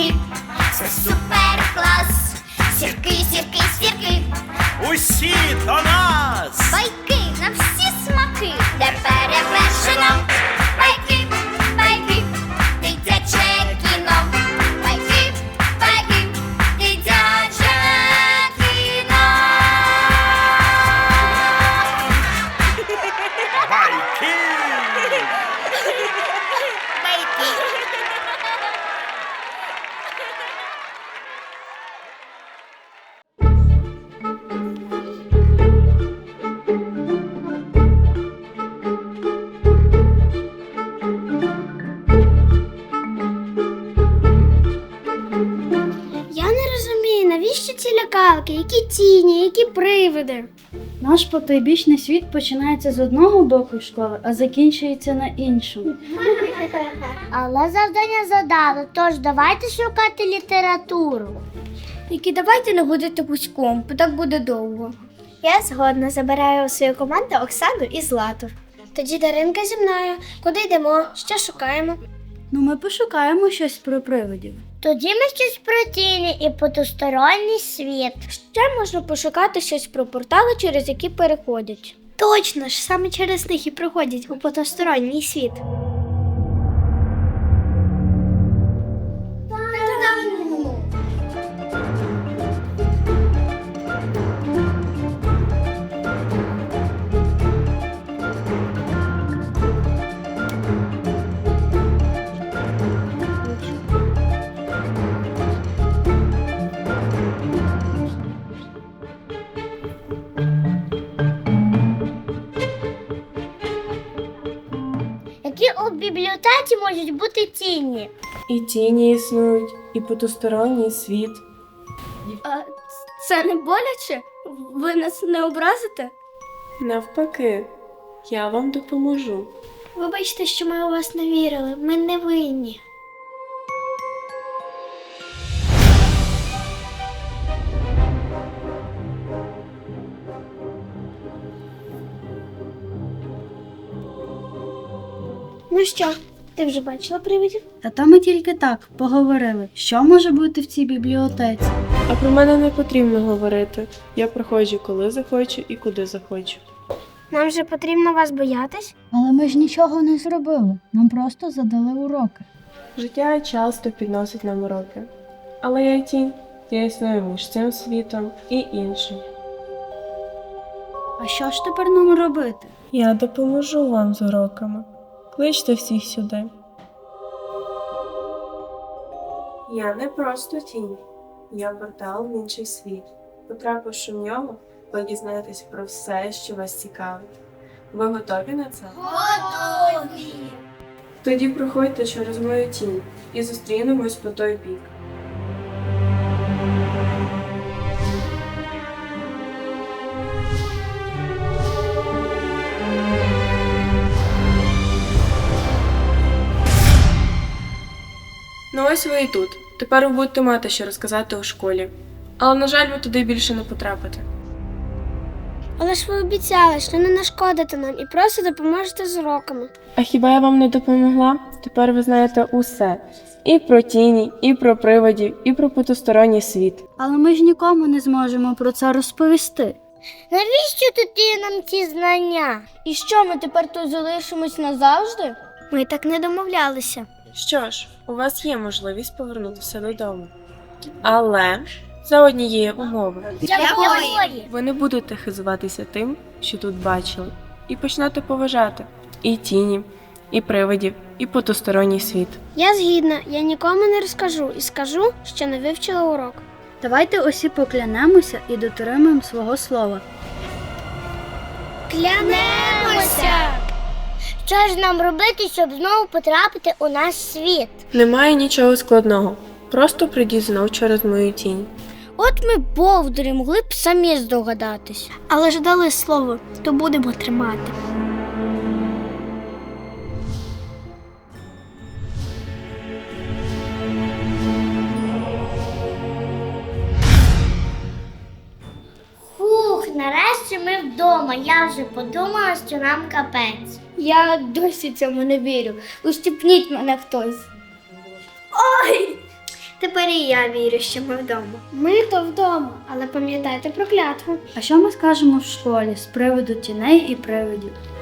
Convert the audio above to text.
сірки, це супер клас. Сірки, сірки, сірки, Усі до нас! байки на всі смаки, де перевершено. Байки, байки, дитяче кіно. Байки, байки, дитяче кіно. Байки! Я не розумію, навіщо ці лякалки, які тіні, які привиди. Наш потойбічний світ починається з одного боку школи, а закінчується на іншому. Але завдання задали, тож давайте шукати літературу. Тільки давайте не ходити пуськом, бо так буде довго. Я згодна, забираю у свою команду Оксану і Злату. Тоді Даринка зі мною. Куди йдемо? Що шукаємо? Ну, ми пошукаємо щось про привидів. Тоді ми щось про тіні і потусторонній світ. Ще можна пошукати щось про портали, через які переходять. Точно ж, саме через них і проходять у потусторонній світ. Які у бібліотеці можуть бути тіні? І тіні існують, і потусторонній світ. А це не боляче? Ви нас не образите? Навпаки, я вам допоможу. Вибачте, що ми у вас не вірили. Ми не винні. Ну що, ти вже бачила привидів? Та то ми тільки так поговорили, що може бути в цій бібліотеці. А про мене не потрібно говорити. Я приходжу, коли захочу і куди захочу. Нам же потрібно вас боятись? Але ми ж нічого не зробили, нам просто задали уроки. Життя часто підносить нам уроки. Але я тінь, я існую між цим світом і іншим. А що ж тепер нам робити? Я допоможу вам з уроками. Кличте всіх сюди. Я не просто тінь. Я портал в інший світ. Потрапивши в нього, ви дізнаєтесь про все, що вас цікавить. Ви готові на це? Готові! Тоді проходьте через мою тінь і зустрінемось по той бік. Ну ось ви і тут. Тепер ви будете мати що розказати у школі. Але, на жаль, ви туди більше не потрапите. Але ж ви обіцяли, що не нашкодите нам і просто допоможете з уроками. А хіба я вам не допомогла? Тепер ви знаєте усе. І про тіні, і про привидів, і про потусторонній світ. Але ми ж нікому не зможемо про це розповісти. Навіщо тоді нам ці знання? І що, ми тепер тут залишимось назавжди? Ми так не домовлялися. Що ж, у вас є можливість повернутися додому. Але за однієї умови. Якої? Ви не будете хизуватися тим, що тут бачили, і почнете поважати і тіні, і привидів, і потусторонній світ. Я згідна, я нікому не розкажу і скажу, що не вивчила урок. Давайте усі поклянемося і дотримаємо свого слова. Клянемося! Що ж нам робити, щоб знову потрапити у наш світ? Немає нічого складного. Просто прийдіть знов через мою тінь. От ми, бовдурі, могли б самі здогадатись. Але ж дали слово, то будемо тримати. Фух, нарешті ми вдома. Я вже подумала, що нам капець. Я досі цьому не вірю. Ущипніть мене хтось. Ой! Тепер і я вірю, що ми вдома. Ми то вдома, але пам'ятайте про клятву. А що ми скажемо в школі з приводу тіней і привидів?